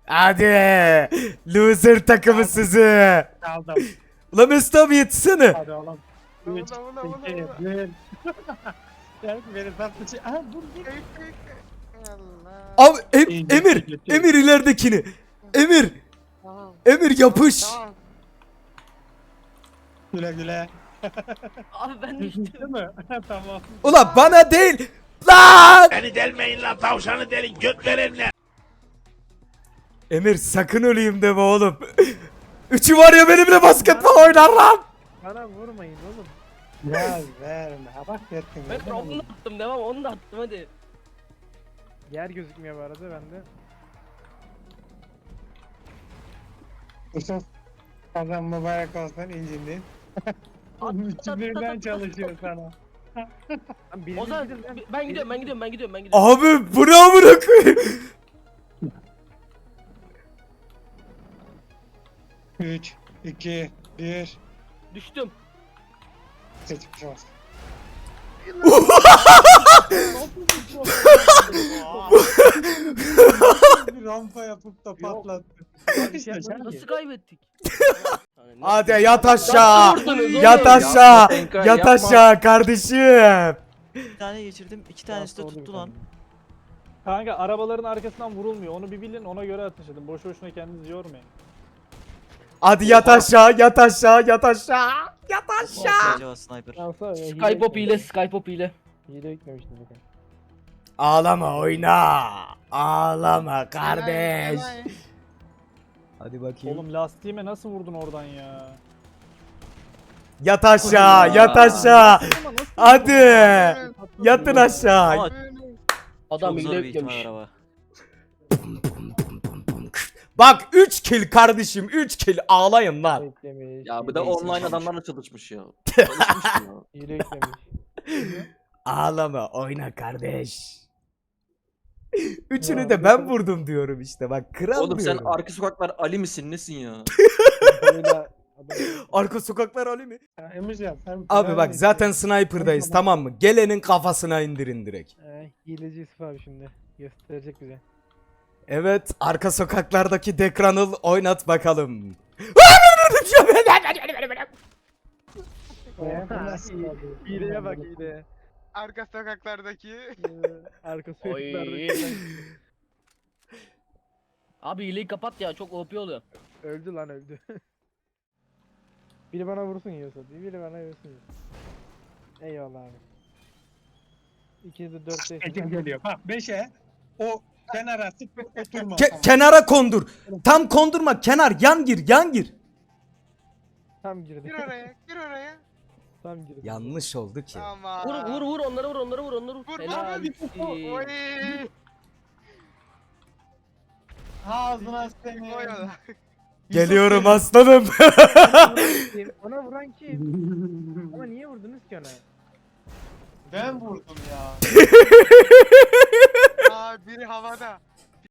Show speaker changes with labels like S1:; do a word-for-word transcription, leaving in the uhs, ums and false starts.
S1: Hadi. Loser takımı sizi.
S2: Aldım.
S1: Ulan Mesut abi yetişsene.
S2: Hadi oğlum.
S3: Vula,
S2: Üç,
S3: vula, vula,
S2: iki,
S3: vula.
S2: bir. Gel beni tatlı şey. Aha dur dur.
S3: Kayık, kayık, kayık. Allah.
S1: Abi Em-
S2: İyi,
S1: Emir.
S2: geçti, geçti.
S1: Emir ileridekini. Emir.
S3: Tamam.
S1: Emir yapış.
S3: Tamam.
S2: Güle güle.
S4: Abi ben düştüm.
S2: Değil mi? Tamam.
S1: Ulan bana değil. Lan.
S5: Beni delmeyin lan tavşanı delin göt verenler.
S1: Emir sakın öleyim deme oğlum. Üçü var ya benimle basketbol oynar lan.
S6: Bana vurmayın oğlum.
S2: Ya verme. Ha bak yettin.
S4: Ben onu da attım devam onu da attım hadi.
S6: Yer gözükmüyor bu arada bende.
S2: Yusuf. Kazan mübarek olsun incindin. Üçü birden çalışıyor sana.
S6: Lan birini
S4: Ozan
S6: gidin lan.
S4: ben gidiyorum ben gidiyorum ben gidiyorum ben gidiyorum.
S1: Abi bu ne amına koyayım?
S2: Üç, iki, bir.
S4: Düştüm.
S2: Seçmiş olsun. Bir rampa yapıp da patlattı. İşte sen
S4: Nasıl kaybettik?
S1: Hadi yat aşağı.
S4: Nasıl vurdunuz oğlum?
S1: Yat aşağı.
S7: Tenka,
S1: Yat
S7: yapma.
S1: aşağı kardeşim.
S7: Bir tane geçirdim. iki tanesi de
S6: Oldu
S7: tuttu
S6: bir
S7: lan.
S8: Kanka arabaların arkasından vurulmuyor. Onu bir bilin, ona göre ateş edin. Boş boşuna kendinizi yormayın.
S1: Hadi yat aşağı, yat aşağı, yat aşağı. Yat aşağı.
S7: Acaba sniper.
S6: Alsa ya, hile
S4: Skypop ile
S6: yüklemiş.
S4: Skypop ile.
S6: Hile yüklemiştim zaten.
S1: Ağlama oyna. Ağlama kardeş.
S3: Kolay, kolay.
S1: Hadi bakayım.
S8: Oğlum lastiğime nasıl vurdun oradan ya?
S1: Yat aşağı, yat aşağı. Hadi. Yatın aşağı.
S7: Ama
S4: Adam
S7: çok zor
S4: hile
S7: bir ihtimal
S4: yüklemiş.
S7: araba.
S1: Bak üç kill kardeşim, üç kill ağlayın lan.
S6: Yüklemiş.
S7: Ya bu
S6: hile
S7: da
S6: yüklemiş,
S7: online adamlarla çalışmış ya. Çalışmış ya.
S6: Hile yüklemiş.
S1: Ağlama oyna kardeş. Üçünü de ben vurdum diyorum işte bak kral
S7: Oğlum sen
S1: diyorum.
S7: arka sokaklar Ali misin nesin ya?
S6: Böyle adam-
S1: Arka sokaklar Ali mi?
S2: Ya Emircan sen...
S1: Abi bak zaten sniper'dayız tamam mı? Gelenin kafasına indirin direkt.
S6: Eh, hileci Yusuf abi şimdi. Gösterecek bize.
S1: Evet arka sokaklardaki Dekranıl oynat bakalım.
S2: Ya, bu nasıl
S6: Oha,
S2: oldu?
S6: Hileye bak hileye.
S3: Arka sokaklardaki.
S6: Ee, Arka
S4: Oy.
S6: sokaklarda
S4: Abi hileyi kapat ya çok O P oluyor.
S6: öldü lan öldü. Biri bana vursun Yusuf. Biri bana vursun. Eyvallah abi. İkiniz de dört beş.
S2: Ecem geliyor. Bak beşe o kenara sık oturma.
S1: Ke- kenara kondur. Tam kondurma kenar yan gir yan gir.
S6: Tam girdi.
S3: Gir oraya, gir oraya.
S6: Tam girdi.
S1: Yanlış oldu ki.
S3: Tamam.
S4: Vur vur vur onları vur onları vur onları vur.
S3: Vur,
S4: Helal.
S3: vur. Oy.
S2: Ağzına seni.
S3: Oy ola.
S1: Geliyorum aslanım.
S6: Kim? Ona vuran kim? Ama niye vurdunuz ki ona?
S2: Ben vurdum ya.
S3: Aa biri havada.